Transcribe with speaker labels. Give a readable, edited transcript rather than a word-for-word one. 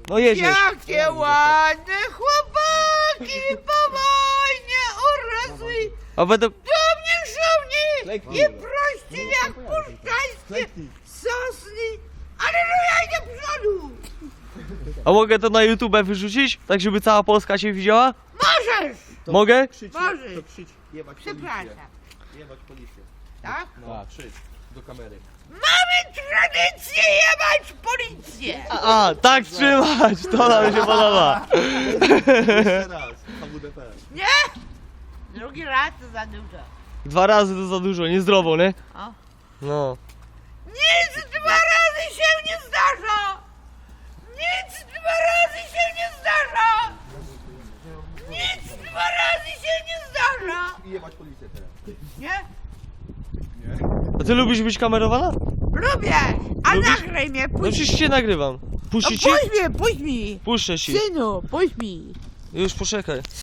Speaker 1: No jedziesz.
Speaker 2: Jakie ładne chłopaki po wojnie urosły.
Speaker 1: A będę...
Speaker 2: Do mnie żołni i prości jak puszczańskie sosny. Aleluja, idę do przodu.
Speaker 1: A mogę to na YouTube wyrzucić? Tak, żeby cała Polska cię widziała?
Speaker 2: Możesz.
Speaker 1: Mogę?
Speaker 2: Możesz.
Speaker 3: To krzycz, jebać
Speaker 2: Przepraszam.
Speaker 3: policję. Jebać policję.
Speaker 2: Tak?
Speaker 3: No, krzycz do kamery.
Speaker 2: Mamy tradycję jebać policję.
Speaker 1: A, tak trzymać! To nam się podoba.
Speaker 3: Jeszcze raz, HWDP.
Speaker 2: Nie? Drugi raz to za dużo.
Speaker 1: 2 razy to za dużo, niezdrowo, nie?
Speaker 2: O.
Speaker 1: No.
Speaker 2: Nic 2 razy się nie zdarza! Nic 2 razy się nie zdarza! Nic 2 razy się nie zdarza!
Speaker 3: I jebać policję teraz.
Speaker 2: Nie?
Speaker 1: A ty lubisz być kamerowana?
Speaker 2: Lubię! A
Speaker 1: Lubisz?
Speaker 2: nagraj mnie,
Speaker 1: No
Speaker 2: puść!
Speaker 1: przecież cię nagrywam.
Speaker 2: No
Speaker 1: Puścić ci?
Speaker 2: puść mi!
Speaker 1: Puszczę ci.
Speaker 2: Synu, puść mi!
Speaker 1: Już poczekaj.